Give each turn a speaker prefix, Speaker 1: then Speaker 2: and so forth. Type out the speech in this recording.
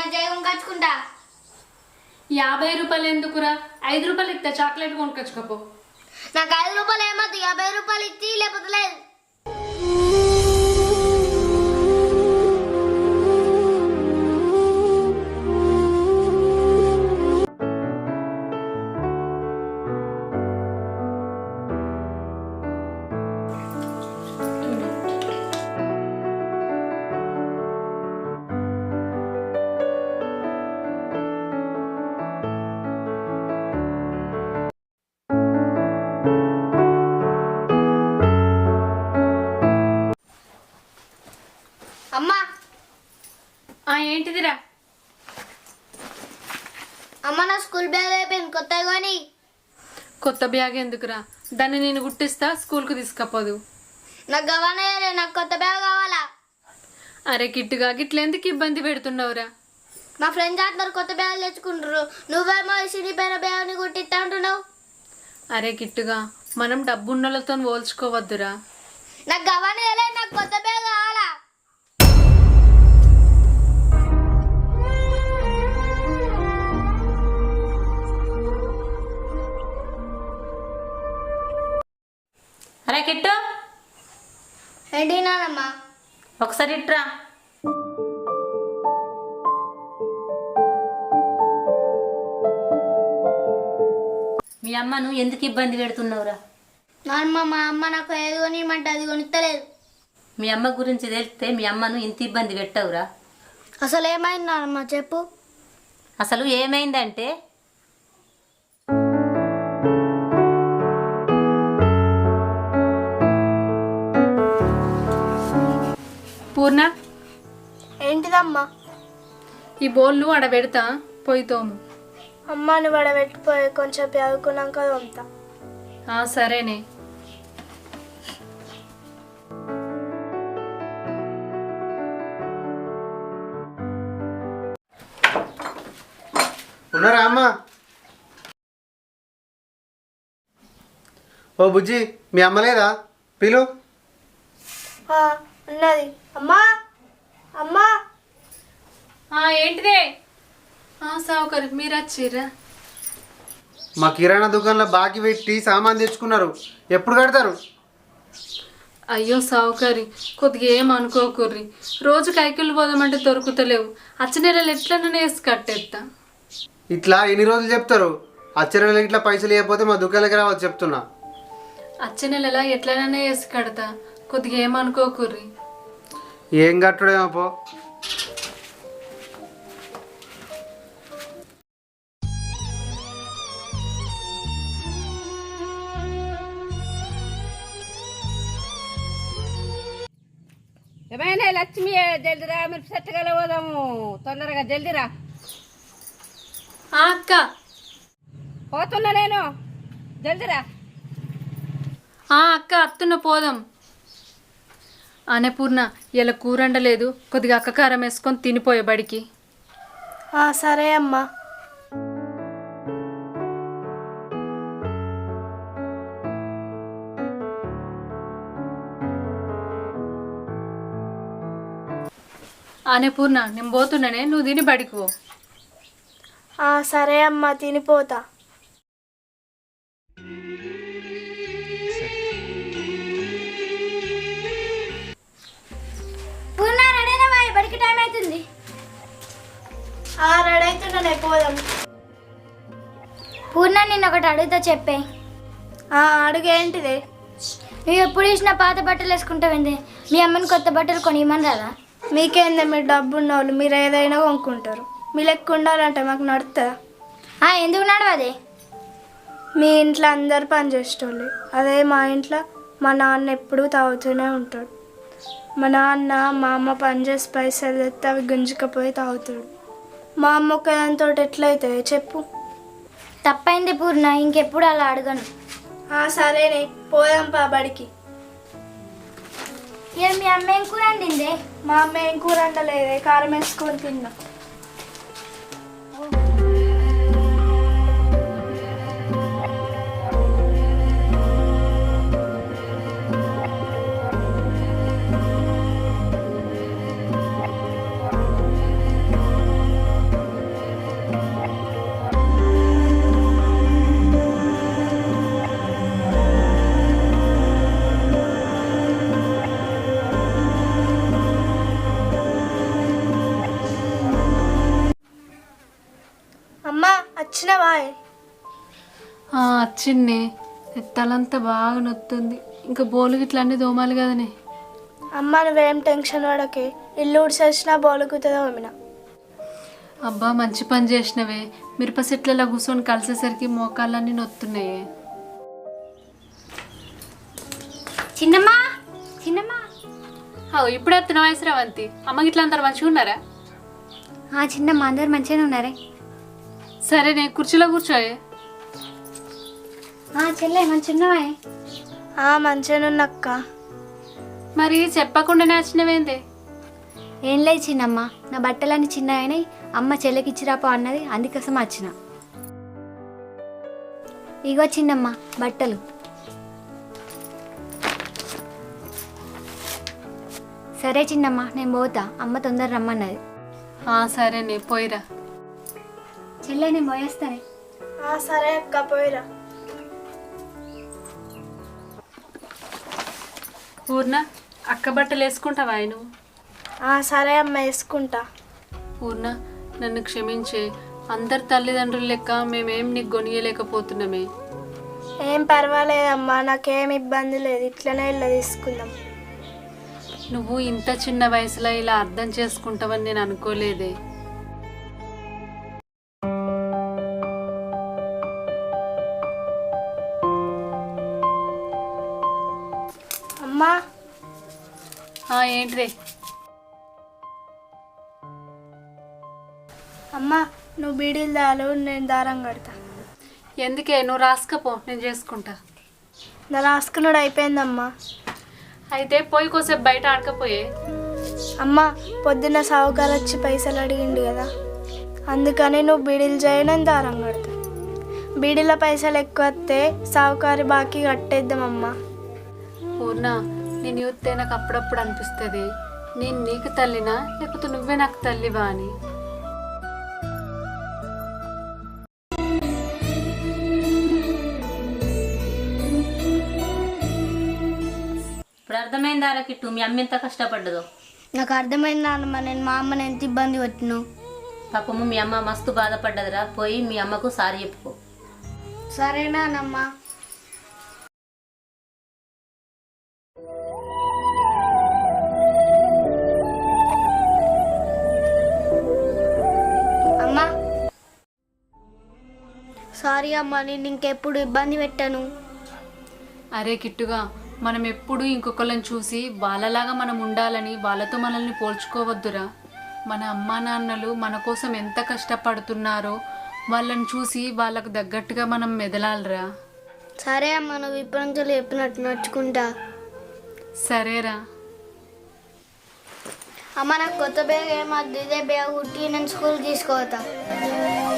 Speaker 1: చిన్న జైవం కచ్చుకుంటా.
Speaker 2: 50 రూపాయలు ఎందుకురా? 5 రూపాయలు ఇస్తా, చాక్లెట్ కొనుకొచ్చుకోపో.
Speaker 1: నాకు 5 రూపాయలు ఏమద్దు, 50 రూపాయలు ఇచ్చి లేకపోతే లేదు. అమ్మా
Speaker 2: ఏంటిదిరా?
Speaker 1: అమ్మ నా స్కూల్ బ్యాగ్ అయిపోయింది, కొత్తగా కొని.
Speaker 2: కొత్త బ్యాగ్ ఎందుకురా? దాన్ని నేను గుట్టిస్తా, స్కూల్కు తీసుకపోదు.
Speaker 1: నాకు గవానే, నాకు కొత్త బ్యాగ్ కావాలా.
Speaker 2: అరే కిట్టుగా గిట్లెందుకు ఇబ్బంది పెడుతున్నావురా?
Speaker 1: మా ఫ్రెండ్స్ అందరు కొత్త బ్యాగ్ తెచ్చుకుంటారు, నువ్వేమో చినిపోయిన బ్యాగ్ని కుట్టిస్తా అంటున్నావు.
Speaker 2: అరే కిట్టుగా, మనం డబ్బున్నలతో పోల్చుకోవద్దురా.
Speaker 1: నాకు గవానే, నాకు కొత్త బ్యాగ్ కావాలా.
Speaker 3: అరే కిట్టు,
Speaker 1: ఏంటి నానమ్మా?
Speaker 3: ఒకసారి ఇట్రా. మీ అమ్మను ఎందుకు ఇబ్బంది పెడుతున్నావురా?
Speaker 1: నానమ్మ, మా అమ్మ నాకు ఏది కొనిమంటే అది కొనిస్తలేదు.
Speaker 3: మీ అమ్మ గురించి తెలిస్తే మీ అమ్మను ఇంత ఇబ్బంది పెట్టవురా?
Speaker 1: అసలు ఏమైంది నానమ్మ చెప్పు.
Speaker 3: అసలు ఏమైందంటే,
Speaker 2: పూర్ణ,
Speaker 1: ఏంటిదమ్మా?
Speaker 2: ఈ బోళ్ళు ఆడ పెడతా, పోయి తోము.
Speaker 1: అమ్మాని వడబెట్టిపోయి కొంచెం చదువుకున్నాక తోముతా.
Speaker 2: సరేనే.
Speaker 4: ఉన్నారా అమ్మ? ఓ బుజ్జి, మీ అమ్మ లేదా? పిలు.
Speaker 1: ఉన్నది. అమ్మా అమ్మా.
Speaker 2: ఏంటిదే? సావుకారు మీరు వచ్చిర్రా?
Speaker 4: మా కిరాణా దుకాణంలో బాకీ పెట్టి సామాన్ తెచ్చుకున్నారు, ఎప్పుడు కడతారు?
Speaker 2: అయ్యో సావుకారి, కొద్దిగా ఏం అనుకోకుర్రి. రోజు కైకిళ్ళు పోదామంటే దొరుకుతలేవు. అచ్చ నెలలు ఎట్లనే వేసి కట్టేస్తా.
Speaker 4: ఇట్లా ఎన్ని రోజులు చెప్తారు? అచ్చరలు ఇట్లా పైసలు ఇవ్వకపోతే మా దుకాణాలకి రావచ్చు చెప్తున్నా.
Speaker 2: అచ్చ నెలలా ఎట్లనే వేసి కడతా, కొద్దిగా ఏం అనుకోకుర్రి.
Speaker 4: ఏం కట్టడేమో పో.
Speaker 5: ఏమైనా లక్ష్మి, జల్దిరా, మీరు చెట్టుగల పోదాము, తొందరగా జల్దిరా.
Speaker 2: అక్క
Speaker 5: పోతున్నా నేను, జల్దిరా.
Speaker 2: అక్క అత్తున్న పోదాం. పూర్ణ, ఇలా కూరండలేదు, కొద్దిగా అక్క కారం వేసుకొని తినిపోయే బడికి.
Speaker 1: సరే అమ్మా.
Speaker 2: పూర్ణ, నేను పోతున్నానే, నువ్వు తిని బడికి పో.
Speaker 1: సరే అమ్మా, తినిపోతా. బడికి టైం అవుతుంది. రెడీ అవుతున్నా, పోదాం. పూర్ణ, నిన్న ఒకటి అడుగుతా, చెప్పే. అడుగేంటిది? నువ్వు ఎప్పుడు ఇచ్చిన పాత బట్టలు వేసుకుంటావేంది? మీ అమ్మని కొత్త బట్టలు కొనియమని రాదా? మీకేందే, మీరు డబ్బు ఉన్న వాళ్ళు, మీరు ఏదైనా కొనుక్కుంటారు. మీ లెక్క ఉండాలంటే మాకు నడుతుందా? ఎందుకు నడవదే? మీ ఇంట్లో అందరు పని చేసేటోళ్ళు, అదే మా ఇంట్లో మా నాన్న ఎప్పుడూ తాగుతూనే ఉంటాడు. మా నాన్న మా అమ్మ పని చేసి పైసలు తెస్తే అవి గుంజుకపోయి తాగుతాడు. మా అమ్మ ఒక్కదానితో ఎట్లయితుంది చెప్పు? తప్పైంది పూర్ణ, ఇంకెప్పుడు అలా అడగను. సరేనే, పోదాం పా బడికి. మీ అమ్మ ఏం కూర వండిందే? మా అమ్మ ఏం కూర వండలేదే, కారం వేసుకొని తిన్నా. వచ్చినావా?
Speaker 2: వచ్చింది. తలంతా బాగా నొత్తుంది. ఇంకా బోలు గిట్ల అన్నీ దోమాలి కదనే.
Speaker 1: అమ్మ నువ్వేం టెన్షన్ పడకే, ఇల్లు ఉడిసేసినా బోలుకుతుందో అమ్మిన.
Speaker 2: అబ్బా మంచి పని చేసినవే. మిరప చెట్లలో కూర్చొని కలిసేసరికి మోకాళ్ళన్నీ నొత్తున్నాయే.
Speaker 1: చిన్నమ్మా చిన్నమ్మా.
Speaker 2: ఇప్పుడే వస్తున్న వయసు రావంతి. అమ్మ గిట్ల అందరు మంచిగా ఉన్నారా?
Speaker 1: చిన్నమ్మ అందరు మంచిగానే ఉన్నారే.
Speaker 2: సరే నేను కుర్చీలో కూర్చోయే.
Speaker 1: చెల్లె మంచిగున్నావా? మంచిగానున్నక్క.
Speaker 2: మరి చెప్పకుండానే వచ్చినవేందే?
Speaker 1: ఏం లేదు చిన్నమ్మ, నా బట్టలన్నీ చిన్న అయినాయి, అమ్మ చెల్లెకిచ్చిరాపో అన్నది, అందుకోసం వచ్చిన. ఇగో చిన్నమ్మ బట్టలు. సరే చిన్నమ్మ నేను పోతా, అమ్మ తొందర రమ్మన్నది.
Speaker 2: సరేనే పోయిరా.
Speaker 1: చెల్లె నేను పోయేస్తానే. సరే అక్క పోయిరా.
Speaker 2: పూర్ణ అక్క బట్టలు వేసుకుంటావా నువ్వు?
Speaker 1: సరే అమ్మ వేసుకుంటా.
Speaker 2: పూర్ణ నన్ను క్షమించే. అందరు తల్లిదండ్రులు లెక్క మేమేం నీకు కొనియలేకపోతున్నామే.
Speaker 1: ఏం పర్వాలేదమ్మా, నాకేం ఇబ్బంది లేదు, ఇట్లనే ఇలా తీసుకుందాం.
Speaker 2: నువ్వు ఇంత చిన్న వయసులో ఇలా అర్థం చేసుకుంటావని నేను అనుకోలేదే.
Speaker 1: అమ్మా
Speaker 2: ఏంటిదే?
Speaker 1: అమ్మా నువ్వు బీడీలు దాలు, నేను దారం కడతా.
Speaker 2: ఎందుకే? నువ్వు రాసుకపో, నేను చేసుకుంటా.
Speaker 1: నా రాసుకున్నాడు అయిపోయిందమ్మా.
Speaker 2: అయితే పోయి కోసేపు బయట ఆడకపోయే.
Speaker 1: అమ్మ పొద్దున్న సావుకారు వచ్చి పైసలు అడిగిండు కదా, అందుకని నువ్వు బీడీలు చేయి, నేను దారం కడతా. బీడీల పైసలు ఎక్కువ వస్తే సావుకారి బాకీ కట్టేద్దామమ్మా.
Speaker 2: పూర్ణ నేను చూస్తే నాకు అప్పుడప్పుడు అనిపిస్తుంది, నేను నీకు తల్లినా లేకపోతే నువ్వే నాకు తల్లివా అని.
Speaker 3: ఇప్పుడు అర్థమైందా కిట్టు మీ అమ్మ ఎంత కష్టపడ్డదో?
Speaker 1: నాకు అర్థమైంది నాన్నమ్మ, నేను మా అమ్మని ఎంత ఇబ్బంది పెట్టిను.
Speaker 3: పాపము మీ అమ్మ మస్తు బాధపడ్డదిరా, పోయి మీ అమ్మకు సారీ చెప్పుకో.
Speaker 1: సరేనా నాన్నమ్మ. అమ్మా సారీ అమ్మా, నేను ఇంకెప్పుడు ఇబ్బంది పెట్టాను.
Speaker 2: అరే కిట్టుగా, మనం ఎప్పుడు ఇంకొకళ్ళని చూసి వాళ్ళలాగా మనం ఉండాలని వాళ్ళతో మనల్ని పోల్చుకోవద్దురా. మన అమ్మా నాన్నలు మన కోసం ఎంత కష్టపడుతున్నారో వాళ్ళని చూసి వాళ్ళకు తగ్గట్టుగా మనం మెదలాలరా.
Speaker 1: సరే అమ్మ, నువ్వు ఇప్పటి నుంచి చెప్పినట్టు నడుచుకుంటా.
Speaker 2: సరేరా.
Speaker 1: అమ్మ నాకు కొత్త బ్యాగ్ ఏమద్దు, ఇదే బ్యాగ్ కుట్టి నేను స్కూల్ తీసుకోవతా.